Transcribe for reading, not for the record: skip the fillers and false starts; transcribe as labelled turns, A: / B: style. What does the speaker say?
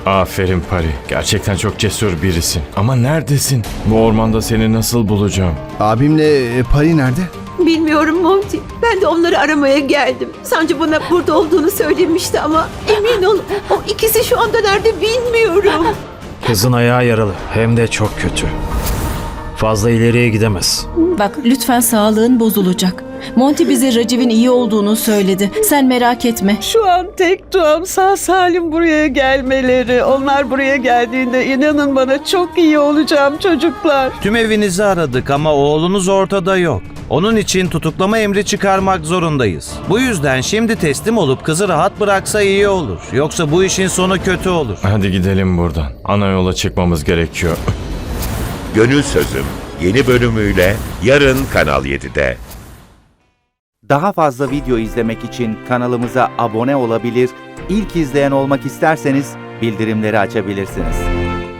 A: Aferin Pari. Gerçekten çok cesur birisin. Ama neredesin? Bu ormanda seni nasıl bulacağım?
B: Abimle Pari nerede?
C: Bilmiyorum Monty. Ben de onları aramaya geldim. Sancı bana burada olduğunu söylemişti ama emin ol o ikisi şu anda nerede bilmiyorum.
D: Kızın ayağı yaralı. Hem de çok kötü. Fazla ileriye gidemez.
E: Bak lütfen sağlığın bozulacak. Monty bize Raciv'in iyi olduğunu söyledi. Sen merak etme.
F: Şu an tek duam sağ salim buraya gelmeleri. Onlar buraya geldiğinde inanın bana çok iyi olacağım çocuklar.
G: Tüm evinizi aradık ama oğlunuz ortada yok. Onun için tutuklama emri çıkarmak zorundayız. Bu yüzden şimdi teslim olup kızı rahat bıraksa iyi olur. Yoksa bu işin sonu kötü olur.
A: Hadi gidelim buradan. Ana yola çıkmamız gerekiyor.
H: Gönül Sözüm yeni bölümüyle yarın Kanal 7'de.
I: Daha fazla video izlemek için kanalımıza abone olabilir, ilk izleyen olmak isterseniz bildirimleri açabilirsiniz.